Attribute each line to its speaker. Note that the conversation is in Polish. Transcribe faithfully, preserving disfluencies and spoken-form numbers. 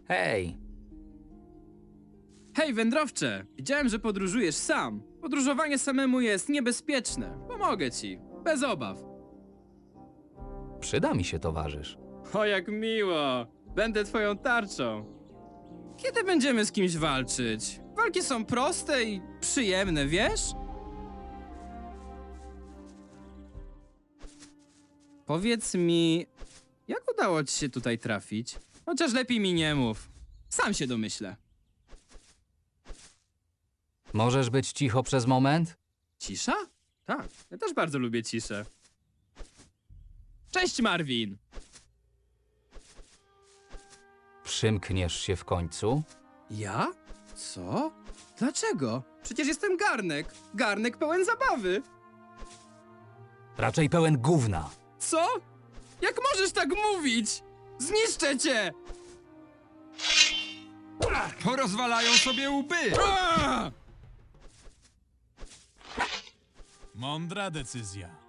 Speaker 1: Hej,
Speaker 2: Hej, wędrowcze! Widziałem, że podróżujesz sam. Podróżowanie samemu jest niebezpieczne. Pomogę ci. Bez obaw.
Speaker 1: przyda mi się towarzysz.
Speaker 2: O, jak miło! Będę twoją tarczą. Kiedy będziemy z kimś walczyć? Walki są proste i przyjemne, wiesz? Powiedz mi, jak udało ci się tutaj trafić? Chociaż lepiej mi nie mów. Sam się domyślę.
Speaker 1: Możesz być cicho przez moment?
Speaker 2: Cisza? Tak, ja też bardzo lubię ciszę. Cześć, Marvin!
Speaker 1: Przymkniesz się w końcu?
Speaker 2: Ja? Co? Dlaczego? Przecież jestem garnek. Garnek pełen zabawy.
Speaker 1: Raczej pełen gówna.
Speaker 2: Co? Jak możesz tak mówić? Zniszczę cię!
Speaker 3: Porozwalają sobie łby!
Speaker 2: Aaa!
Speaker 4: Mądra decyzja.